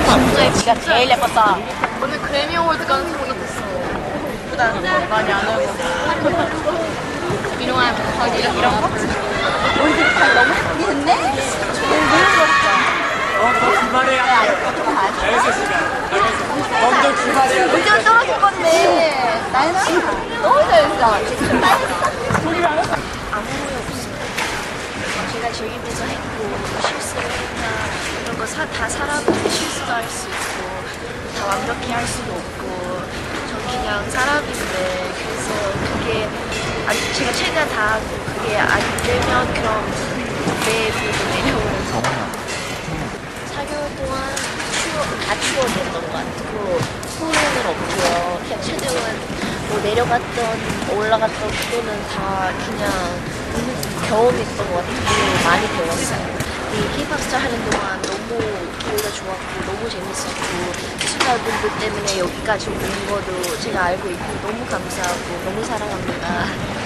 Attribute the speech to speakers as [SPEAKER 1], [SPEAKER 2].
[SPEAKER 1] 진짜 네가 제일 예뻤다.
[SPEAKER 2] 오늘 그래미 어워드 가는 생각이 됐어.
[SPEAKER 1] 예쁘다. 많이 안 하고.
[SPEAKER 2] 이런 거지.
[SPEAKER 1] 이런 거? 우리 발 너무 예쁘게 했네?
[SPEAKER 3] 너 주말에야. 알겠어, 먼저 주말에야.
[SPEAKER 1] 문제가 떨어질 건데. 나는 너무 잘했어. 지금 나 했어.
[SPEAKER 4] 아무 후회 없어요. 제가 즐기면서 했고 실수를 했나 이런 거 다 사람인데 실수도 할 수 있고 다 완벽히 할 수도 없고 전 그냥 사람인데 그래서 그게 제가 최대한 다 하고 그게 안 되면 그럼 내일도 내려오면서 4개월 동안 다 추억이었던 것 같고 후회는 없고요. 그냥 최대한 뭐 내려갔던 올라갔던 그거는 다 그냥 경험했던 것 같고 많이 배웠어요. 이 힙합스타 하는 동안 너무 기회가 좋았고 너무 재밌었고 시청자분들 때문에 여기까지 온 거도 제가 알고 있고 너무 감사하고 너무 사랑합니다.